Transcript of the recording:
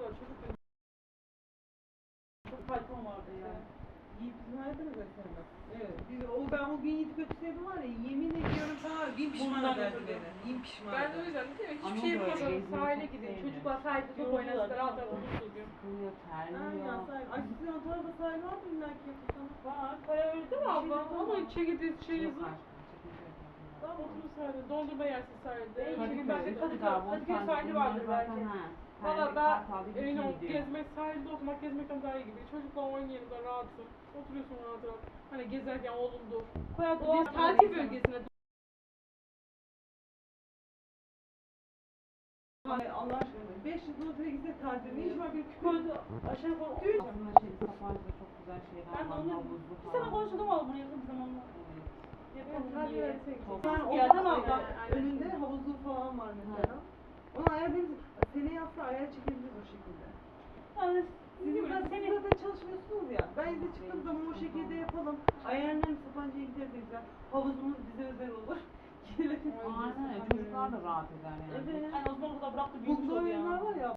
var. Çocukken çok fayton vardı ya. Yiğit bizim hayatı mı sevmez? Evet. Ben o gün Yiğit'i kötü sevdim var ya, yemin ediyorum sana bin pişman Bundan ederdi ötürü. beni. Bin pişman Ben de o ederdi. yüzden değil mi? Ama Hiçbir şey böyle yapmadan gezmeyi sahile çok gideyim. sevmiyorum. Çocuklar sahilde top oynasın. Rahat rahat olursunuz diyorum. Sıkılıyor, terliyor. Aynen sahil. Ay sizin o tarafta sahil var mı illa ki yapılsana? Var. Para verdi mi abla? Ama çekildi şey Yok yazın. aşkım, çekince yapalım. Tamam oturun sahilde. Dondurma yersin sahilde. Kadıköy, Ben de Kadıköy sahili bunlar vardır zaten belki. ha. Valla Pendik, daha Kartal diye emin ol gidiyor. gezmek, sahilde oturmak gezmekten daha iyi gibi. Çocukla oynayalım da rahatsın. Oturuyorsun rahat rahat. Hani gezerken oğlum dur. O tatil bölgesine Ay Allah aşkına. 500 metreye gitsek tatil. Ne iş var bir koydu aşağı koydu. Aslında Sapanca'da çok güzel şeyler Ben de var. onu Havuzlu bir falan. sene konuşalım ama bunu yakın bir zamanda. Evet. Yapalım diye. Yani o Yerden da aldı. önünde havuzlu falan var mesela. Onu ayarlayabiliriz. Seneye hafta ayar çekebiliriz o şekilde. Yani Siz zaten çalışmıyorsunuz ya. Ben izne çıktığım zaman o şekilde yapalım. Ayarlarım Sapanca'ya gideriz de güzel. Havuzumuz bize özel olur. Aynen, çocuklar da rahat eder yani. Evet. Yani o zaman burada bıraktı büyümüş Buzlu oldu ya. oyunlar var ya.